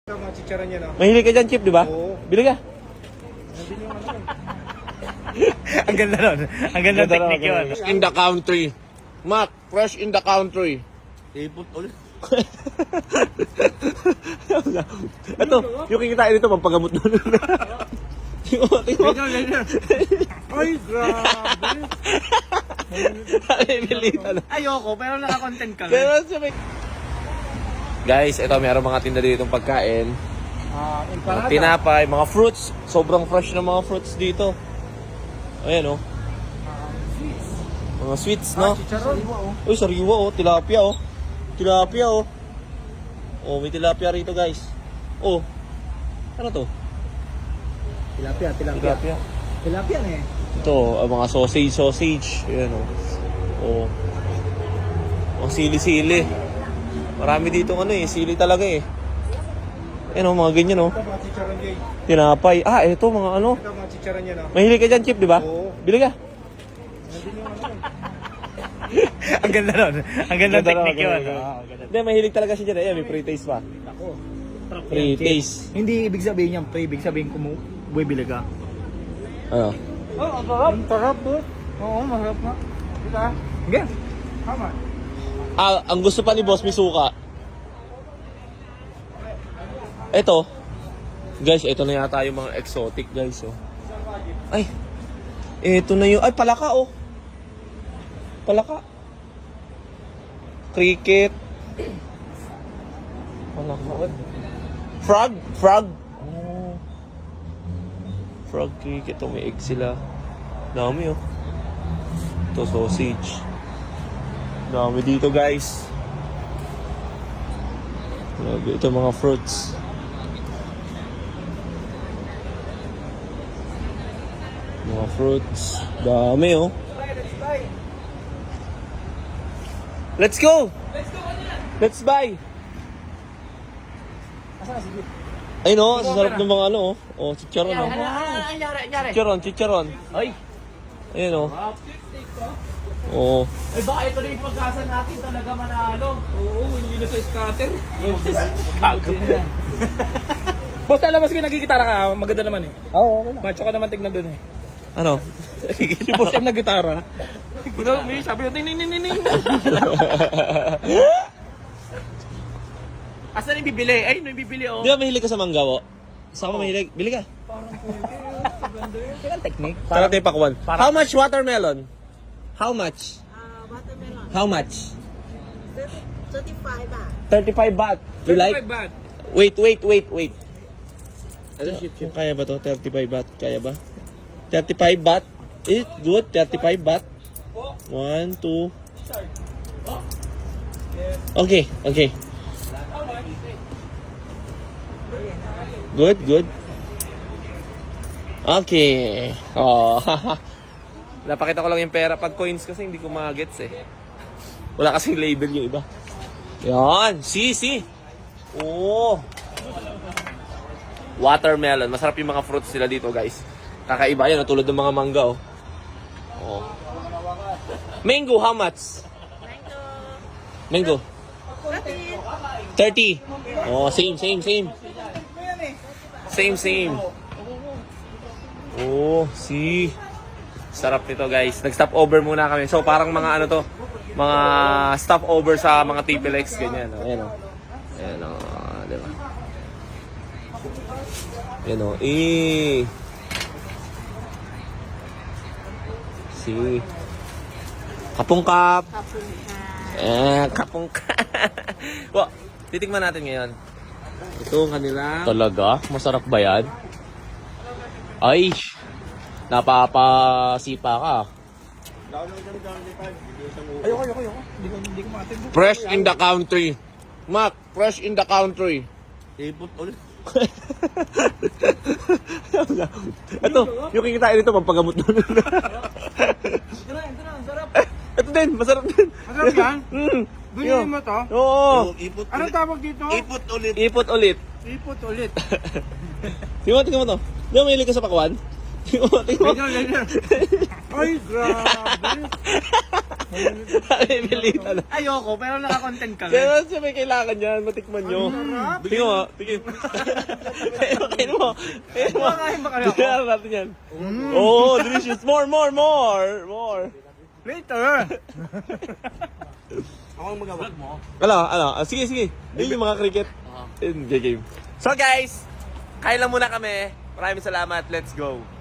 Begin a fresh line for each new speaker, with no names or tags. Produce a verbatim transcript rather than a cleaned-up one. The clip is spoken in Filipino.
Mga chicharon niya na.
Mahilig ka dyan, Chip, di ba?
Oo.
Bili ka.
Nandun yung ano.
Ang ganda nun. Ang ganda ng technique yun.
In the country. Mac, fresh in the country.
Ipot ulit.
Ito, yung kikitain nito, pampagamot nun. Tingnan mo, tingnan mo.
Ay, grabe.
Ay, bilita na.
Ayoko, pero naka-content kami.
Pero siya may... Guys, ito, mayroong mga tinda dito ng pagkain.
Ah,
Mga
empanada.
tinapay, mga fruits. Sobrang fresh na mga fruits dito. Ayan, oh. Mga sweets,
Ah,
no?
chicharon.
Uy, sariwa, oh. Tilapia, oh. Tilapia, oh. Oh, may tilapia rito, guys. Oh. Ano to?
Tilapia, tilapia.
Tilapia.
Tilapia na eh.
Ito, ang mga sausage, sausage. Ayan, oh. Oh. Ang sili-sili. Marami dito ano eh. Sili talaga eh. Ayan, oh, mga ganyan, oh.
Ito mga chicharon niya.
Tinapay. Ah, ito, mga ano.
Ito mga chicharon niya na.
Mahilig ka dyan, Chip, di ba?
Oo.
Bili ka.
Nandun yung ano.
Ang ganda nun. Ang ganda ng
Ganda
technique
raw,
yun.
ganda.
Oo, ganda.
Hindi, mahilig talaga siya dyan. Ayan, may pre-taste pa.
Ako.
Pre-taste.
Hindi ibig sabihin niyan, pre. Ibig sabihin kung bumibili ka.
Ano?
Oh, ang sarap. Ang sarap, bro. Oo, masarap nga. Dito ah.
Okay.
Tama.
Ah, ang gusto pa ni Boss, may suka. Ito. Guys, ito na yata yung mga exotic, guys, oh. Ay. Ito na yung... Ay, palaka, oh. Palaka. Cricket. Palaka. Frog. Frog. Oh. Frog cricket. Oh, may egg sila. Dami, oh. Ito, sausage. Dami dito, guys. Grabe, ito mga fruits. Mga fruits. Dami, oh. Let's go! Let's buy! Ayun, oh. Sa sarap ng mga ano, oh. Oh, chicharon, oh.
Anyari, anyari.
Chicharon, chicharon.
Ay.
Ayun, oh. Oh.
Ay baka ito na yung pagkasa natin talaga manalo.
Oo, hindi na sa scatter.
Gago.
Boss, alam mo sige nagigitara ka. Maganda naman eh.
Oo, okay lang.
Macho ka naman tignan dun eh.
Ano?
Si Boss M nagitara. Kuno, may sabi ko, ning ning ning ning ning.
Asan yung bibili? Ay, no yung bibili oh.
Di ba mahilig ka sa manggawo? Saan ka mahilig? Bili ka.
Ang technique.
Para tayo pakwan.
Parang-
How much watermelon? How much?
Uh, watermelon.
How much?
thirty-five baht.
thirty-five baht. You like?
Bad.
Wait, wait, wait, wait. Ano, kung kaya ba to? thirty-five baht. Kaya ba? thirty-five baht. Is it good? thirty-five baht. One, two. Okay, okay. Good, good. Okay. Oh, napakita ko lang yung pera. Pag coins kasi hindi ko magets eh. Wala kasing label yung iba. Yan. See, see. Oh. Watermelon. Masarap yung mga fruits sila dito, guys. Kakaiba yan. Tulad ng mga mangga, oh. Oh. Mango, how much?
Mango.
Mango.
thirty.
thirty. Oh, same, same, same. Same, same. Oh, see. Sarap nito, guys. Nag-stop over muna kami. So, parang mga ano to, mga stop over sa mga T P L X, ganyan. Oh. Ayan, oh. Ayan, oh. Diba? Ayan, oh. Eh. See. Kapungkap. Eh, kapungkap. Well, titikman natin ngayon. Ito ang kanila. Talaga? Masarap ba yan? Ay, napapasipa ka.
Ayoko, ayoko, ayoko. Hindi ko, hindi ko matin.
Fresh in the country. Mac, fresh in the country.
Ipot ulit.
Ito, yung kikitain nito, pampagamot nun.
Ito na, ito na, ang sarap.
Ito din, masarap din.
Masarap yan?
Mm.
Binili mo to?
Oo.
Ipot Anong tawag dito?
Ipot ulit.
Ipot ulit.
Ipot ulit.
Tingnan mo, tingnan mo to. Di ba mahilig ka sa pakwan? Tingnan mo, tingnan mo.
Ay, grabe.
Ay, bilita na.
Ayoko, pero nakakontent kami.
Kaya siya may kailangan yan, matikman nyo. Tingnan mo, tingin. Tingnan mo, tingnan mo.
Kumakain ba kayo ako?
Tingnan natin yan. Oh, delicious. More, more, more. More.
Later.
Ako ang mag-vlog mo.
Ano, ano? Ah, sige, sige. Yun yung mga cricket. In game. So guys, kain lang muna kami. Maraming salamat. Let's go.